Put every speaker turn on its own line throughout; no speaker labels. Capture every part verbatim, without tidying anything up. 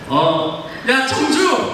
어, 야 청주.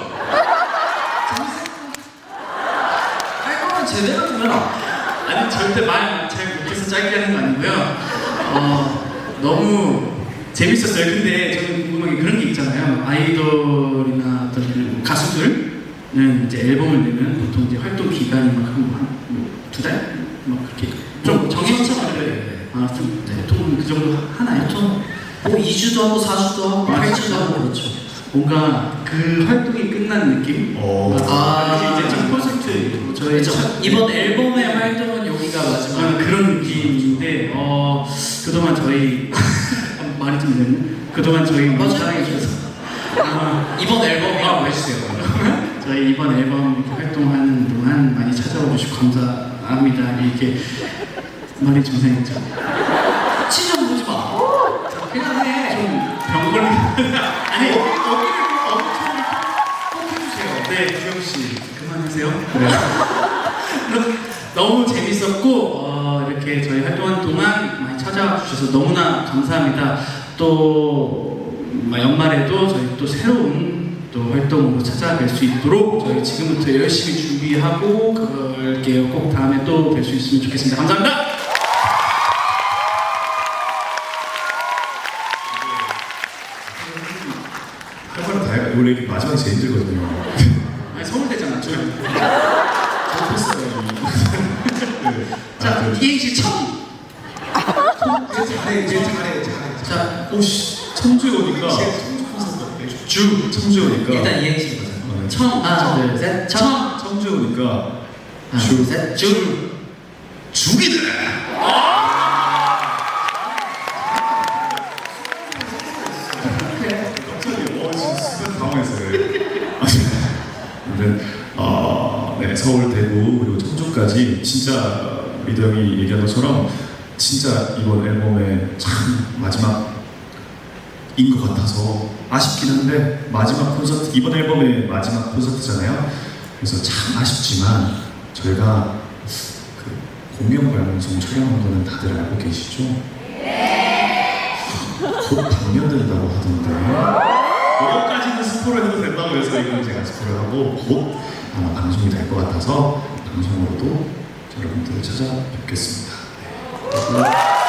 활동은 제대로 좀 해라.
아니 절대 말 잘 못해서 짧게 하는 거 아니고요. 어, 너무 재밌었어요. 근데 저는 궁금한 게 그런 게 있잖아요. 아이돌이나 어떤 그 가수들은 이제 앨범을 내면 보통 이제 활동 기간이 막한두 달? 막 그렇게 좀 정해서 하는데 아, 좀 보통 그 정도 하나요?
보통 뭐 이 주도 하고 사 주도 하고
아,
팔 주도 하고 그렇죠.
뭔가 그 활동이 끝난 느낌?
어.
아, 이제 좀 콘서트 저희
그렇죠.
첫
이번 앨범의 활동은 여기가 마지막.
아, 그런 느낌인데 어 그동안 저희 말이 좀 늦네. 그동안 저희 너무
맞아요.
사랑해 주셔서 아,
이번 앨범이라고
아,
해주세요.
저희 이번 앨범 이렇게 활동하는 동안 많이 찾아와 주시고 감사합니다. 이렇게 말이 좀 이상했죠.
치좀 보지 마.
그냥 좀병 걸린 아니 여기를 엄청 꼭 해주세요. 네, 기영 씨 그만하세요. 그래. 너무 재밌었고 어, 이렇게 저희 활동한 동안 많이 찾아와 주셔서 너무나 감사합니다. 또 뭐, 연말에도 저희 또 새로운 또 활동으로 찾아뵐 수 있도록 저희 지금부터 열심히 준비하고 그럴게요. 꼭 다음에 또 뵐 수 있으면 좋겠습니다. 감사합니다.
할 말은 다 해. 원래 이게 마지막이 제일 힘들거든요.
아니 서울대잖아. 저
못했어요.
자, 이행시 청.
잘해, 이제 잘해, 잘해.
자,
오씨, 청주에 오니까 주 청주에 오니까
일단 이행시 보자.
어,
청. 하나, 둘, 셋. 청.
청주에 오니까
하나,
주
둘, 셋. 줄.
죽이네. 갑자기 어 진짜 순간 당황했어요. 근데 어, 네 서울, 대구 그리고 청주까지 진짜 리더 형이 얘기한 것처럼 진짜 이번 앨범의 참 마지막인 것 같아서 아쉽긴 한데 마지막 콘서트 이번 앨범의 마지막 콘서트잖아요. 그래서 참 아쉽지만 저희가 그 공연 방송 촬영한 거는 다들 알고 계시죠? 곧 방영된다고 하던데 그것까지는 스포를 해도 된다고 해서 이건 제가 스포를 하고 곧 아마 방송이 될 것 같아서 방송으로도 여러분들을 찾아뵙겠습니다. 네.